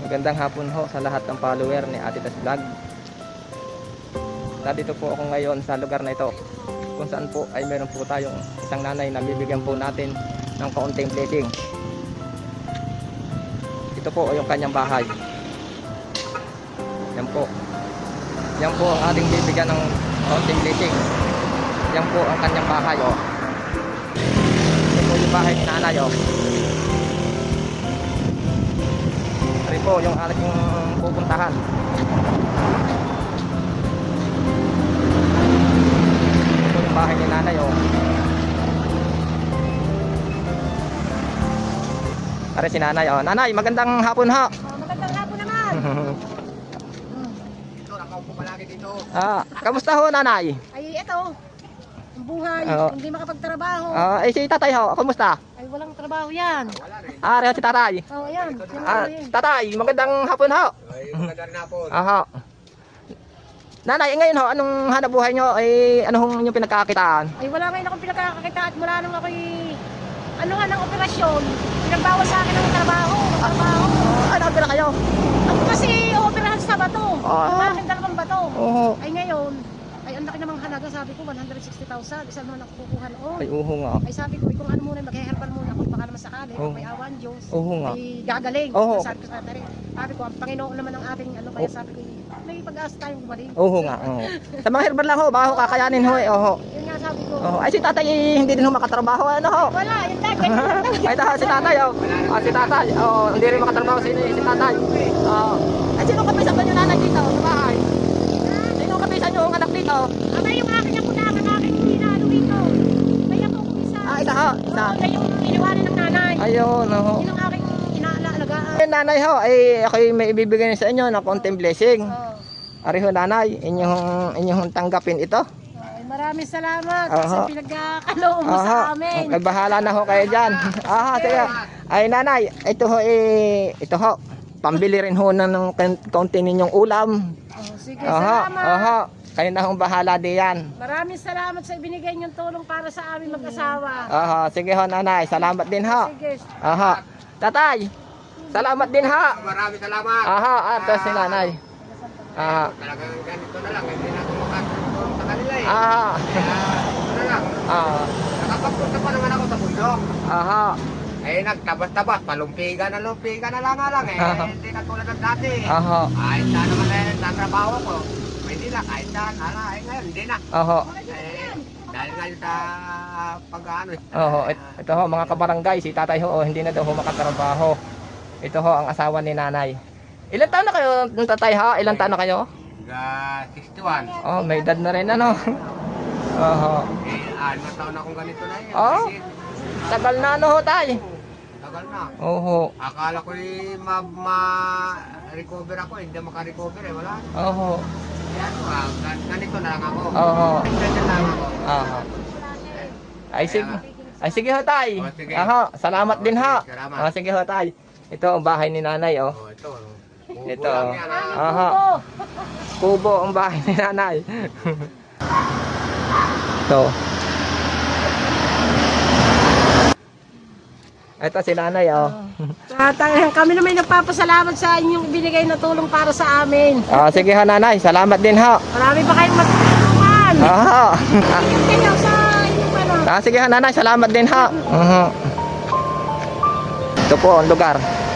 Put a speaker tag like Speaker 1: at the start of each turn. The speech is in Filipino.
Speaker 1: Magandang hapon ho sa lahat ng follower ni Ate Tas Vlog. Nandito po ako ngayon sa lugar na ito, kung saan po ay meron po tayong isang nanay na bibigyan po natin ng kaunting blessing. Ito po yung kanyang bahay. Yan po. Yan po ang ating bibigyan ng kaunting blessing. Yan po ang kanyang bahay, oh. Ito po yung bahay ni nanay, oh. Ito po yung ating pupuntahan. Ito yung bahay ni nanay, oh. Pare si nanay, oh. Nanay, magandang hapon ha.
Speaker 2: Magandang hapon naman.
Speaker 3: Ito, nakaupo palagi dito.
Speaker 1: Kamusta ho, nanay?
Speaker 2: Ay, ito. Ang buhay. Hindi makapagtrabaho.
Speaker 1: Si tatay ho, kamusta?
Speaker 2: Ay, walang trabaho yan.
Speaker 3: Wala rin.
Speaker 1: Reho si tatay.
Speaker 2: Oh, ayan.
Speaker 1: Tatay, magandang hapon ho.
Speaker 3: Ay, magandang hapon.
Speaker 1: Nanay, ngayon ho, anong hanap buhay nyo? Anong yung pinagkakakitaan?
Speaker 2: Ay, wala ngayon akong pinagkakakita at mula nung ako'y ano nga ng operasyon. Pinagbawal sa akin ng trabaho.
Speaker 1: Ano pera kayo?
Speaker 2: Ako kasi operahan sa bato.
Speaker 1: Ah.
Speaker 2: Ang aking dalawang bato.
Speaker 1: Oo.
Speaker 2: Ay, ngayon, ay ang laki namang halaga. Sabi ko, 160,000. Isa naman ako kukuha noon.
Speaker 1: Ay, uho nga.
Speaker 2: Ay, sabi ko, kung ano muna, mag-herbal muna ako. Baka naman sakali.
Speaker 1: Oh.
Speaker 2: Kung may awan, Diyos.
Speaker 1: Oo nga.
Speaker 2: Ay, gagaling.
Speaker 1: Oo.
Speaker 2: Sabi ko sa tatay. Sabi ko, ang Panginoon naman ang ating ano. Kaya sabi ko, may pag-asa tayong gumaling.
Speaker 1: Uho nga. Oo. Sa mga herbal lang ho, baka ho kakayanin ho. Oho.
Speaker 2: Yun nga sabi ko.
Speaker 1: Oho. Ay, si tatay hindi din ho makatrabaho. Ano ho?
Speaker 2: Wala, yun tayo.
Speaker 1: Ay, si tatay, oh. Si tatay, oh, hindi rin makatrabaho si tatay. Ay, sino kapisan ba yung nanay dito sa bahay? Sino kapisan yung anak dito?
Speaker 2: Abay, yung aking napunakan, aking pinalo dito. Kaya po kung isa.
Speaker 1: Isa ho, isa.
Speaker 2: Oo, yung iniwanan ng nanay.
Speaker 1: Ayun, oho.
Speaker 2: Yun ang aking inaalagaan.
Speaker 1: Ay, nanay ho, ako'y may ibibigay sa inyo ng konting blessing.
Speaker 2: Oo.
Speaker 1: Ari ho, nanay, inyong tanggapin ito.
Speaker 2: Ay, maraming salamat
Speaker 1: Aha.
Speaker 2: sa pinagkakaloob mo sa amin.
Speaker 1: Ay, bahala na ho kayo dyan. Sige. Ay, nanay, ito ho, pambili rin ho ng kaunti ninyong ulam.
Speaker 2: Oh, sige, salamat.
Speaker 1: Kayo na hong bahala diyan.
Speaker 2: Maraming salamat sa ibinigay niyong tulong para sa amin mag-asawa.
Speaker 1: Sige ho, nanay, salamat din ho.
Speaker 2: Sige.
Speaker 1: Tatay, salamat din ho.
Speaker 3: Maraming salamat.
Speaker 1: Ito si nanay.
Speaker 3: Talagang ganito na lang. Hindi na ako makatulong sa kanila eh.
Speaker 1: Ah.
Speaker 3: Kaya, ito na lang. Nakapagpunta pa naman ako sa bundok. Nagtabas-tabas. Palumpiga na lang nga lang eh. Hindi na tulad ng dati. Kahit saan naman sa trabaho ko. Pwede na, kahit saan. Ngayon, hindi na. Dahil nga sa pag-ano eh.
Speaker 1: Ito ho, mga kabarangay, si tatay ho, hindi na daw ho makatrabaho. Ito ho, ang asawa ni nanay. Ilan taon na kayo, tatay ha? Ilan taon na kayo?
Speaker 3: 61.
Speaker 1: May edad na rin ano.
Speaker 3: 6 taon na akong ganito na yun.
Speaker 1: Tagal na ano ho, tay?
Speaker 3: Tagal na. Akala ko ma-recover ako, hindi maka-recover eh, wala. Ganito na lang ako. Ganito na lang ako.
Speaker 1: Ay sige ho, tay.
Speaker 3: Sige.
Speaker 1: Salamat din ho.
Speaker 3: Salamat.
Speaker 1: Sige ho, tay. Ito ang bahay ni nanay, oh.
Speaker 3: Ito.
Speaker 1: Ito. Kubo ang bahay ni nanay. Ito. Ito si nanay, oh.
Speaker 2: Kami naman nagpapasalamat sa inyong binigay na tulong para sa amin.
Speaker 1: Sige ho, nanay. Salamat din ho.
Speaker 2: Marami pa kayong matutulungan. Kayo sa inyong ano.
Speaker 1: Sige ho, nanay. Salamat din ho. Ito po ang lugar.